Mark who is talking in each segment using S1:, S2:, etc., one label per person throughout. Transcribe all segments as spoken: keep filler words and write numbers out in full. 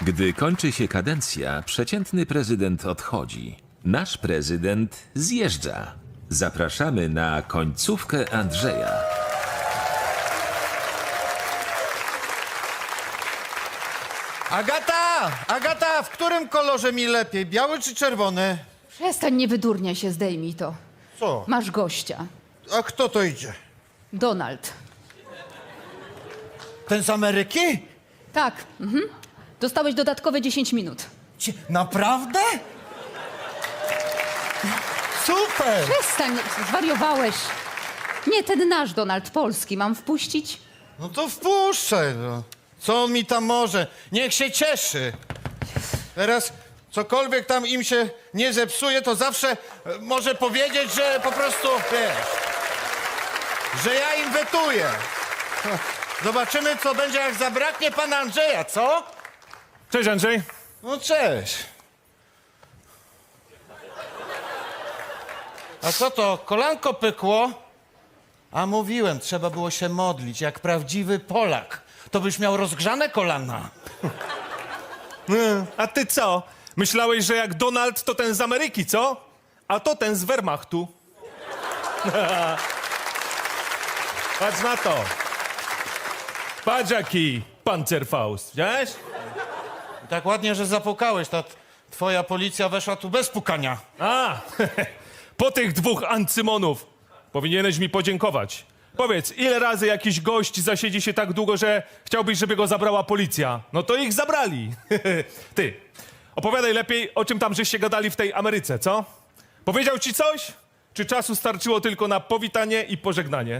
S1: Gdy kończy się kadencja, przeciętny prezydent odchodzi. Nasz prezydent zjeżdża. Zapraszamy na końcówkę Andrzeja.
S2: Agata! Agata, w którym kolorze mi lepiej? Biały czy czerwony?
S3: Przestań, nie wydurniaj się, zdejmij to.
S2: Co?
S3: Masz gościa.
S2: A kto to idzie?
S3: Donald.
S2: Ten z Ameryki?
S3: Tak, mhm. Dostałeś dodatkowe dziesięć minut.
S2: Cie- Naprawdę? Super!
S3: Przestań, zwariowałeś. Nie, ten nasz Donald polski. Mam wpuścić?
S2: No to wpuszczaj, no. Co on mi tam może? Niech się cieszy. Teraz cokolwiek tam im się nie zepsuje, to zawsze e, może powiedzieć, że po prostu, wiesz, że ja im wetuję. Zobaczymy, co będzie, jak zabraknie pana Andrzeja, co?
S4: Cześć, Andrzej.
S2: No cześć. A co to, kolanko pykło? A mówiłem, trzeba było się modlić, jak prawdziwy Polak. To byś miał rozgrzane kolana.
S4: Mm, A ty co? Myślałeś, że jak Donald to ten z Ameryki, co? A to ten z Wehrmachtu. Patrz na to. Patrz jaki Panzerfaust, widziałeś?
S2: Tak ładnie, że zapukałeś, ta t- twoja policja weszła tu bez pukania.
S4: A, po tych dwóch ancymonów powinieneś mi podziękować. Powiedz, ile razy jakiś gość zasiedzi się tak długo, że chciałbyś, żeby go zabrała policja? No to ich zabrali. Ty, opowiadaj lepiej, o czym tam żeście gadali w tej Ameryce, co? Powiedział ci coś? Czy czasu starczyło tylko na powitanie i pożegnanie?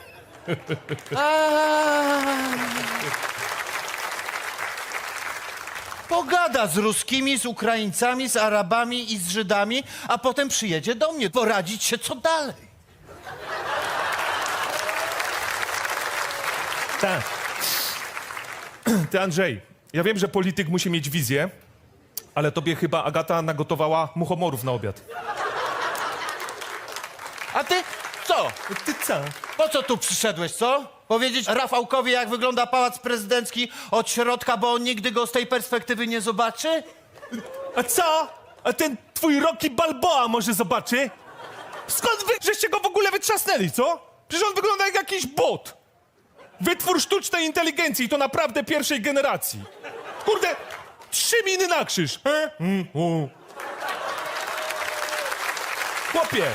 S2: Pogada z Ruskimi, z Ukraińcami, z Arabami i z Żydami, a potem przyjedzie do mnie poradzić się, co dalej.
S4: Tak. Ty, Andrzej, ja wiem, że polityk musi mieć wizję, ale tobie chyba Agata nagotowała muchomorów na obiad.
S2: A ty co?
S4: Ty co?
S2: Po co tu przyszedłeś, co? Powiedzieć Rafałkowi, jak wygląda pałac prezydencki od środka, bo on nigdy go z tej perspektywy nie zobaczy?
S4: A co? A ten twój Rocky Balboa może zobaczy? Skąd wy żeście go w ogóle wytrzasnęli, co? Przecież on wygląda jak jakiś bot. Wytwór sztucznej inteligencji, to naprawdę pierwszej generacji. Kurde, trzy miny na krzyż. He? Mm, u. Chłopie,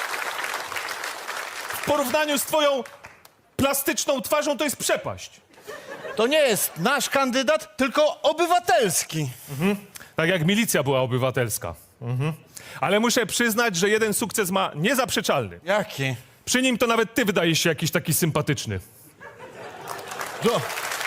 S4: w porównaniu z twoją plastyczną twarzą to jest przepaść.
S2: To nie jest nasz kandydat, tylko obywatelski.
S4: Tak jak milicja była obywatelska. Mhm. Ale muszę przyznać, że jeden sukces ma niezaprzeczalny.
S2: Jaki?
S4: Przy nim to nawet ty wydajesz się jakiś taki sympatyczny.
S2: Do.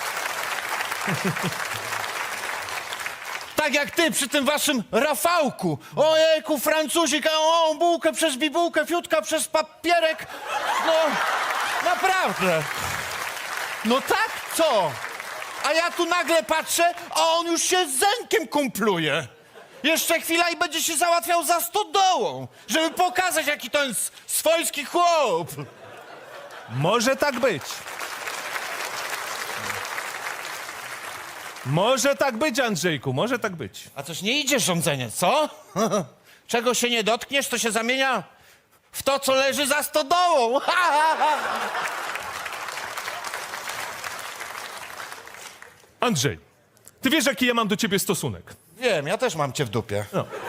S2: Tak jak ty przy tym waszym Rafałku. Ojejku, Francuzik, a o, bułkę przez bibułkę, fiutka przez papierek. No, naprawdę. No tak, co? A ja tu nagle patrzę, a on już się z Zenkiem kumpluje. Jeszcze chwila i będzie się załatwiał za stodołą, żeby pokazać, jaki to jest swojski chłop.
S4: Może tak być. Może tak być, Andrzejku, może tak być.
S2: A coś nie idzie rządzenie, co? Czego się nie dotkniesz, to się zamienia w to, co leży za stodołą.
S4: Andrzej, ty wiesz, jaki ja mam do ciebie stosunek.
S2: Wiem, ja też mam cię w dupie.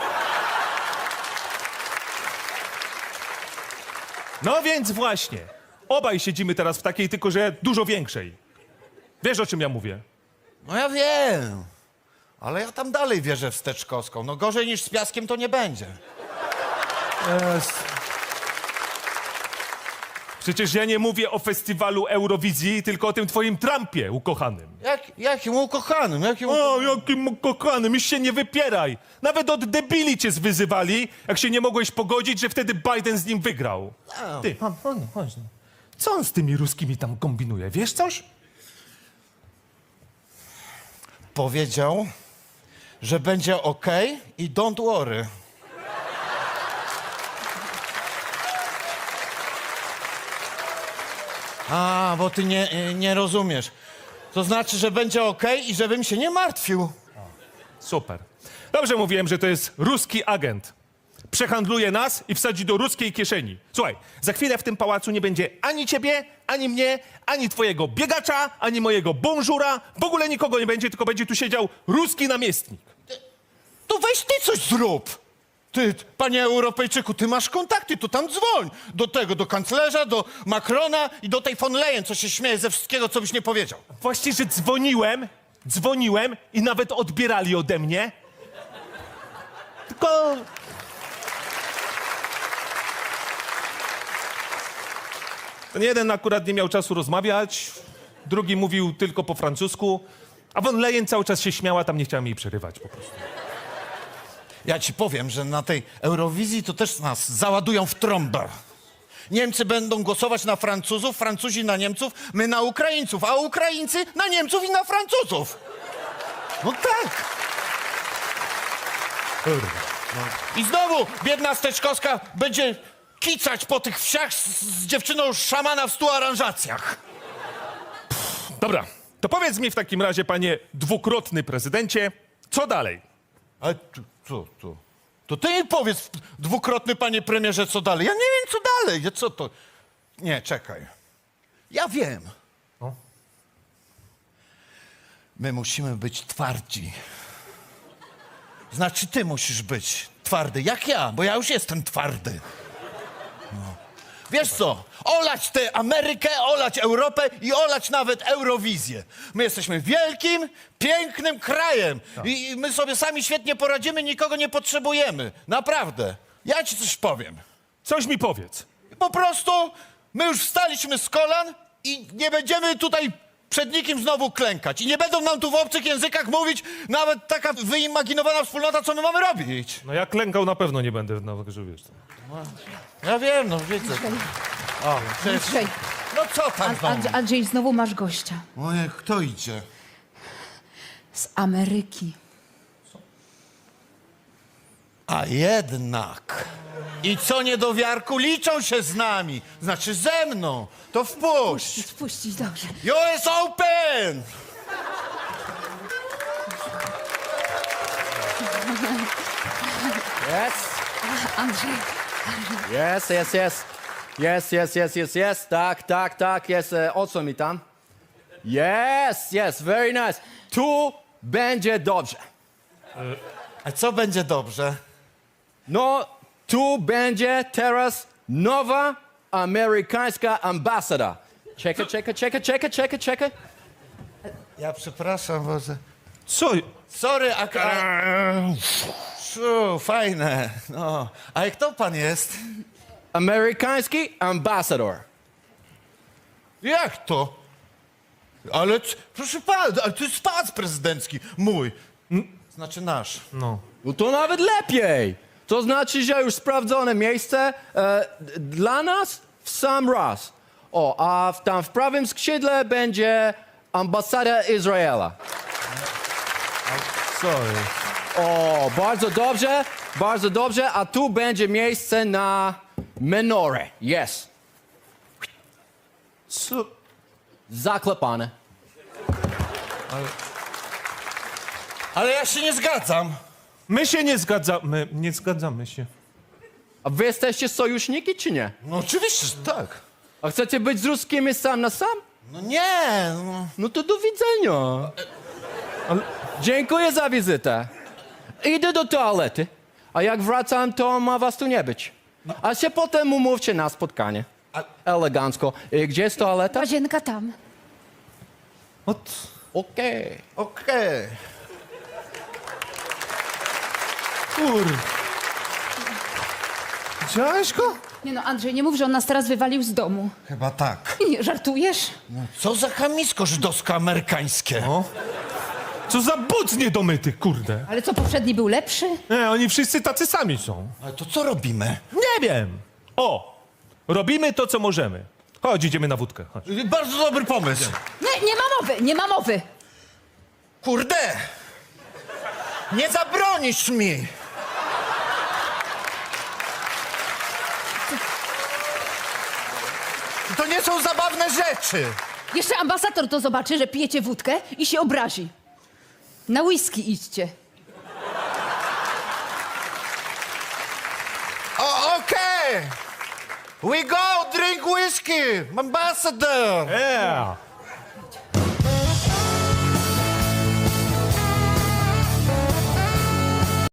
S4: No więc właśnie, obaj siedzimy teraz w takiej, tylko że dużo większej. Wiesz, o czym ja mówię?
S2: No ja wiem, ale ja tam dalej wierzę w Steczkowską. No gorzej niż z Piaskiem to nie będzie.
S4: Przecież ja nie mówię o festiwalu Eurowizji, tylko o tym twoim Trumpie ukochanym.
S2: Jak, jakim ukochanym, jakim
S4: O, jakim ukochanym, już się nie wypieraj. Nawet od debili cię zwyzywali, jak się nie mogłeś pogodzić, że wtedy Biden z nim wygrał. Ty, chodź, chodź, chodź. Co on z tymi ruskimi tam kombinuje, wiesz coś?
S2: Powiedział, że będzie okej i don't worry. A, bo ty nie, nie rozumiesz. To znaczy, że będzie okej i żebym się nie martwił.
S4: Super. Dobrze mówiłem, że to jest ruski agent. Przehandluje nas i wsadzi do ruskiej kieszeni. Słuchaj, za chwilę w tym pałacu nie będzie ani ciebie, ani mnie, ani twojego biegacza, ani mojego bonżura. W ogóle nikogo nie będzie, tylko będzie tu siedział ruski namiestnik.
S2: To weź ty coś zrób. Ty, panie Europejczyku, ty masz kontakty, to tam dzwoń. Do tego, do kanclerza, do Macrona i do tej von Leyen, co się śmieje ze wszystkiego, co byś nie powiedział.
S4: Właśnie, że dzwoniłem, dzwoniłem i nawet odbierali ode mnie. Tylko... Ten jeden akurat nie miał czasu rozmawiać, drugi mówił tylko po francusku, a von Leyen cały czas się śmiała, tam nie chciałem jej przerywać po prostu.
S2: Ja ci powiem, że na tej Eurowizji to też nas załadują w trąbę. Niemcy będą głosować na Francuzów, Francuzi na Niemców, my na Ukraińców, a Ukraińcy na Niemców i na Francuzów. No tak. I znowu biedna Steczkowska będzie kicać po tych wsiach z, z dziewczyną szamana w stu aranżacjach.
S4: Dobra, to powiedz mi w takim razie, panie dwukrotny prezydencie, co dalej?
S2: Ale tu, co, co? To ty mi powiedz, dwukrotny panie premierze, co dalej. Ja nie wiem, co dalej. Ja co to? Nie, czekaj. Ja wiem.
S4: No.
S2: My musimy być twardzi. Znaczy, ty musisz być twardy, jak ja, bo ja już jestem twardy. No. Wiesz co? Olać tę Amerykę, olać Europę i olać nawet Eurowizję. My jesteśmy wielkim, pięknym krajem i i my sobie sami świetnie poradzimy, nikogo nie potrzebujemy. Naprawdę. Ja ci coś powiem.
S4: Coś mi powiedz.
S2: Po prostu my już wstaliśmy z kolan i nie będziemy tutaj przed nikim znowu klękać. I nie będą nam tu w obcych językach mówić nawet taka wyimaginowana wspólnota, co my mamy robić.
S4: No ja klękał na pewno nie będę, no że wiesz.
S2: Ja wiem, no widzę. O, przecież...
S3: Andrzej,
S2: No co tam
S3: An-
S2: znowu?
S3: Andrzej, Andrzej, znowu masz gościa.
S2: Ojej, kto idzie?
S3: Z Ameryki.
S2: A jednak. I co niedowiarku, liczą się z nami. Znaczy ze mną. To wpuść.
S3: Spuścić, dobrze.
S2: U S Open!
S5: Yes,
S3: Andrzej,
S5: yes, yes, yes. Yes, yes, yes, yes, yes. Tak, tak, tak, jest. E, o co mi tam? Yes, yes, very nice. Tu będzie dobrze.
S2: A co będzie dobrze?
S5: No, tu będzie teraz nowa amerykańska ambasada. Czekaj, czekaj, czekaj, czekaj, czekaj, czekaj.
S2: Ja przepraszam, Boże.
S4: Co?
S2: Sorry, a... a... Szu, fajne. No. A kto pan jest?
S5: Amerykański ambasador.
S2: Jak to? Ale, c- proszę pana, ale to jest pałac prezydencki. Mój. Znaczy nasz.
S4: No.
S5: No to nawet lepiej. To znaczy, że już sprawdzone miejsce e, d- dla nas w sam raz. O, a w, tam w prawym skrzydle będzie ambasada Izraela.
S4: Sorry.
S5: O, bardzo dobrze, bardzo dobrze, a tu będzie miejsce na menorę. Yes.
S4: Co?
S5: Zaklepane.
S2: Ale ja się nie zgadzam.
S4: My się nie zgadzamy, nie zgadzamy się.
S5: A wy jesteście sojuszniki, czy nie?
S2: No oczywiście, że tak.
S5: A chcecie być z ruskimi sam na sam?
S2: No nie, no.
S5: No to do widzenia.
S4: Ale...
S5: Dziękuję za wizytę. Idę do toalety, a jak wracam, to ma was tu nie być. A się potem umówcie na spotkanie. Elegancko. I gdzie jest toaleta?
S3: łazienka tam.
S4: Od...
S5: Okej.
S2: Okej.
S4: Kur... Widziałeś go?
S3: Nie no, Andrzej, nie mów, że on nas teraz wywalił z domu.
S2: Chyba tak.
S3: Nie, żartujesz?
S2: Co za chamisko żydowsko-amerykańskie.
S4: O. Co za but niedomyty, kurde.
S3: Ale co, poprzedni był lepszy?
S4: Nie, oni wszyscy tacy sami są.
S2: Ale to co robimy?
S4: Nie wiem. O! Robimy to, co możemy. Chodź, idziemy na wódkę. Chodź.
S2: Bardzo dobry pomysł.
S3: Nie, nie ma mowy, nie ma mowy.
S2: Kurde! Nie zabronisz mi! To nie są zabawne rzeczy!
S3: Jeszcze ambasador to zobaczy, że pijecie wódkę i się obrazi. Na whisky idźcie.
S2: We go drink whiskey, ambassador.
S4: Yeah.